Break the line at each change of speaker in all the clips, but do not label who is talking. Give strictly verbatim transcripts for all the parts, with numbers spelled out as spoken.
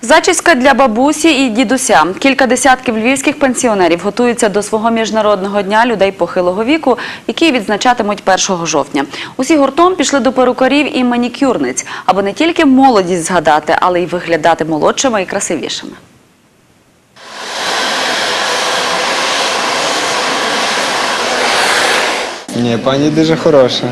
Зачіска для бабусі і дідуся. Кілька десятків львівських пенсіонерів готуються до свого міжнародного дня людей похилого віку, який відзначатимуть першого жовтня. Усі гуртом пішли до перукарів і манікюрниць, аби не тільки молодість згадати, але й виглядати молодшими і красивішими.
Ні, пані дуже хороша.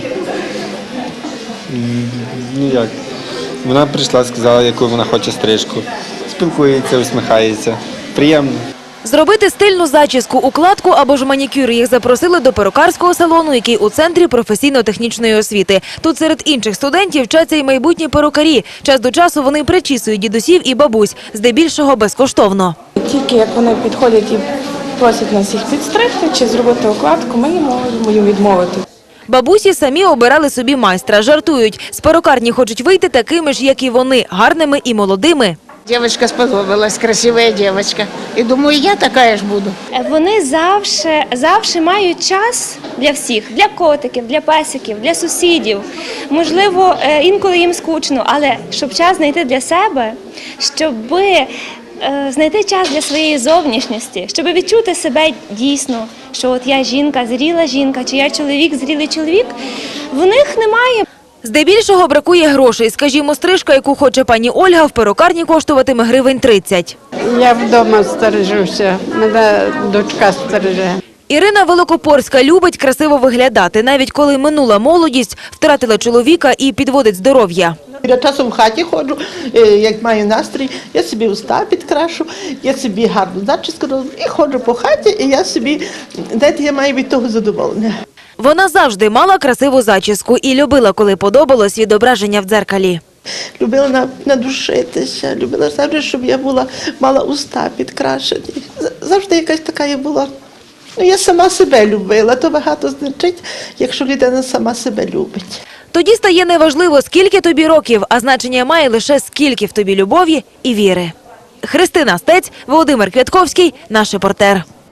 Ну як? Вона прийшла, сказала, яку вона хоче стрижку. Спілкується, усміхається. Приємно.
Зробити стильну зачіску, укладку або ж манікюр їх запросили до перукарського салону, який у центрі професійно-технічної освіти. Тут серед інших студентів вчаться й майбутні перукарі. Час до часу вони причісують дідусів і бабусь, здебільшого безкоштовно.
Тільки як вони підходять і просять нас їх підстригти чи зробити укладку, ми не можемо їм відмовити.
Бабусі самі обирали собі майстра, жартують. З перукарні хочуть вийти такими ж, як і вони, гарними і молодими.
Дівчинка сподобалась, красива дівчинка. І думаю, я така ж буду.
Вони завжди, завжди мають час для всіх, для котиків, для песиків, для сусідів. Можливо, інколи їм скучно, але щоб час знайти для себе, щоб знайти час для своєї зовнішності, щоб відчути себе дійсно, що от я жінка, зріла жінка, чи я чоловік, зрілий чоловік, в них немає.
Здебільшого бракує грошей. Скажімо, стрижка, яку хоче пані Ольга, в перукарні коштуватиме гривень тридцять.
Я вдома стережуся, мене дочка стереже.
Ірина Великопорська любить красиво виглядати, навіть коли минула молодість, втратила чоловіка і підводить здоров'я.
Я часом в хаті ходжу, як маю настрій, я собі уста підкрашу, я собі гарну зачіску роблю і ходжу по хаті, і я собі, знаєте, я маю від того задоволення.
Вона завжди мала красиву зачіску і любила, коли подобалось відображення в дзеркалі.
Любила надушитися, любила завжди, щоб я була, мала уста підкрашені. Завжди якась така я була. Ну, я сама себе любила, то багато значить, якщо людина сама себе любить.
Тоді стає неважливо, скільки тобі років, а значення має лише скільки в тобі любові і віри. Христина Стець, Володимир Квятковський, наш репортер.